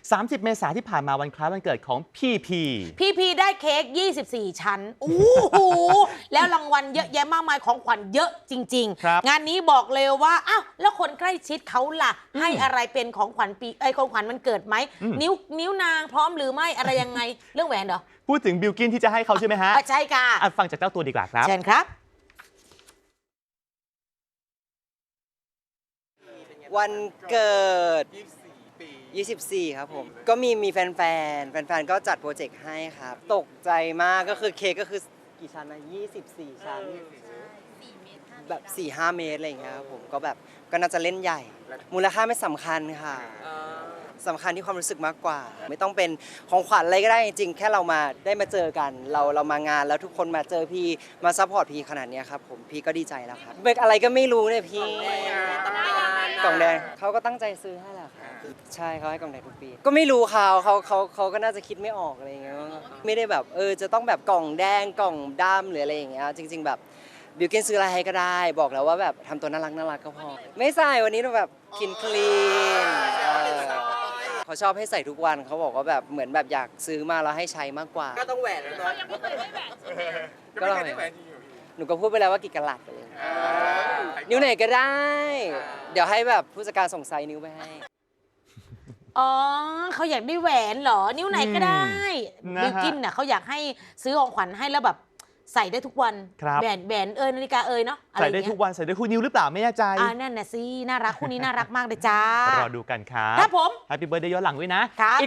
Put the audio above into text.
30 เมษายนที่ผ่านมาวันคล้ายวันเกิดของพีได้เค้ก24 ชั้นโอ้โหแล้วรางวัลเยอะแยะมากมายของขวัญเยอะจริงครับๆงานนี้บอกเลยว่าอ้าวแล้วคนใกล้ชิดเขาล่ะให้อะไรเป็นของขวัญของขวัญมันเกิดไหมนิ้วนางพร้อมหรือไม่อะไรยังไงเรื่องแหวนเหรอพูดถึงบิลกินที่จะให้เขาใช่ไหมฮะใช่ค่ะฟังจากเจ้าตัวดีกว่าครับเชิญครับวันเกิด 24 ครับผม ก็มีแฟนๆก็จัดโปรเจกต์ให้ครับ ตกใจมากก็คือเค้กก็คือกี่ชั้นนะ 24 ชั้น แบบ 4-5 เมตรอะไรอย่างเงี้ยครับผม ก็แบบก็น่าจะเล่นใหญ่ มูลค่าไม่สำคัญค่ะสำคัญที่ความรู้สึกมากกว่า ไม่ต้องเป็นของขวัญอะไรก็ได้จริงๆ แค่เรามาได้มาเจอกัน เรามางานแล้วทุกคนมาเจอพี่มาซัพพอร์ตพี่ขนาดนี้ครับผมพี่ก็ดีใจแล้วครับเป็นอะไรก็ไม่รู้เนี่ยพี่กล่องแดงเขาก็ตั้งใจซื้อให้แหละครับใช่เขาให้กล่องแดงทุกปีก็ไม่รู้เขาก็น่าจะคิดไม่ออกอะไรอย่างเงี้ยไม่ได้แบบจะต้องแบบกล่องแดงกล่องดำหรืออะไรอย่างเงี้ยจริง ๆแบบบิวกินซื้ออะไรให้ก็ได้บอกแล้วว่าแบบทำตัวน่ารักก็พอไม่ใส่วันนี้เราแบบกินคลีนเขาชอบให้ใส่ทุกวันเขาบอกว่าแบบเหมือนแบบอยากซื้อมาแล้วให้ใช้มากกว่าก็ต้องแหวนแล้วเนาะยังไม่เคยได้แหวนใช่ไหมก็ต้องแหวนหนูก็พูดไปแล้วว่ากี่กะลัดไปเลยนิ้วไหนก็ได้ เดี๋ยวให้แบบผู้จัดการส่งไซส์นิ้วไปให้อ๋อเขาอยากได้แหวนเหรอนิ้วไหนก็ได้บิลกินน่ะเขาอยากให้ซื้อของขวัญให้แล้วแบบใส่ได้ทุกวันแหวนนาฬิกาเนาะใส่ได้ทุกวันใส่ได้คู่นิ้วหรือเปล่าไม่แน่ใจนั่นน่ะสิน่ารักคู่นี้น่ารักมากเลยจ้ารอดูกันครับผม Happy Birthday ย้อนหลังด้วยนะ